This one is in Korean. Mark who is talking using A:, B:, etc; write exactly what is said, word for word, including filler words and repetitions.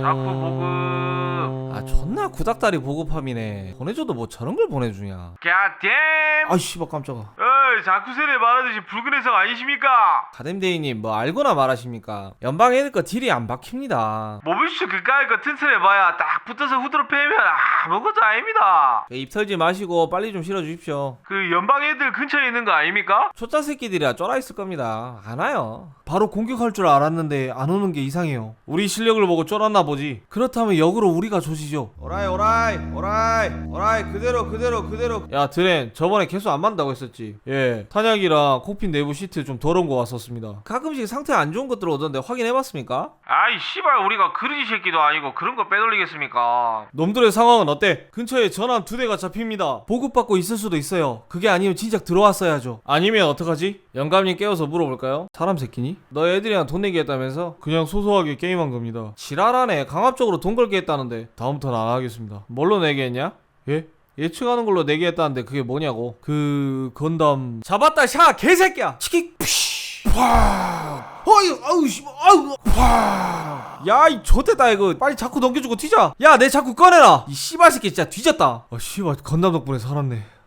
A: 자꾸 보급.
B: 아 존나 구닥다리 보급함이네. 보내줘도 뭐 저런 걸 보내주냐.
A: 갓댐.
B: 아이 씨발 깜짝아.
A: 어이 자쿠셀에 말하듯이 붉은 해성 아니십니까?
B: 가dem데이님 뭐 알고나 말하십니까? 연방 애들 거 딜이 안 박힙니다.
A: 모비슈 그까이 거 튼튼해봐야 딱 붙어서 후드로 패면 아무것도 아닙니다.
B: 입 털지 마시고 빨리 좀 실어주십시오.
A: 그 연방 애들 근처에 있는 거 아닙니까?
B: 초짜 새끼들이라 쫄아 있을 겁니다. 안 와요. 바로 공격할 줄 알았는데 안 오는 게 이상해요. 우리 실력을 보고 쫄았나 보지. 그렇다면 역으로 우리가 조지죠. 오라이 오라이 오라이 오라이 그대로 그대로 그대로. 야 드렌 저번에 개수 안 맞는다고 했었지. 예 탄약이랑 콕핀 내부 시트 좀 더러운 거 왔었습니다. 가끔씩 상태 안 좋은 것들 오던데 확인해봤습니까?
A: 아이 씨발 우리가 그러지 새끼도 아니고 그런 거 빼돌리겠습니까?
B: 놈들의 상황은 어때? 근처에 전함 두 대가 잡힙니다. 보급받고 있을 수도 있어요. 그게 아니면 진작 들어왔어야죠. 아니면 어떡하지? 영감님 깨워서 물어볼까요? 사람 새끼니? 너 애들이랑 돈 내기 했다면서? 그냥 소소하게 게임한 겁니다. 지랄하네. 강압적으로 돈 걸게 했다는데 다음부터는 안 하겠습니다. 뭘로 내게 했냐? 예? 예측하는 걸로 내게 했다는데 그게 뭐냐고. 그... 건담... 잡았다 샤! 개새끼야! 치킥! 푸쉬! 와! 어이! 아우 씨! 아우! 와! 야 이 좆됐다 이거. 빨리 자꾸 넘겨주고 튀자. 야 내 자꾸 꺼내라. 이 씨발 새끼 진짜 뒤졌다. 아 씨발 건담 덕분에 살았네.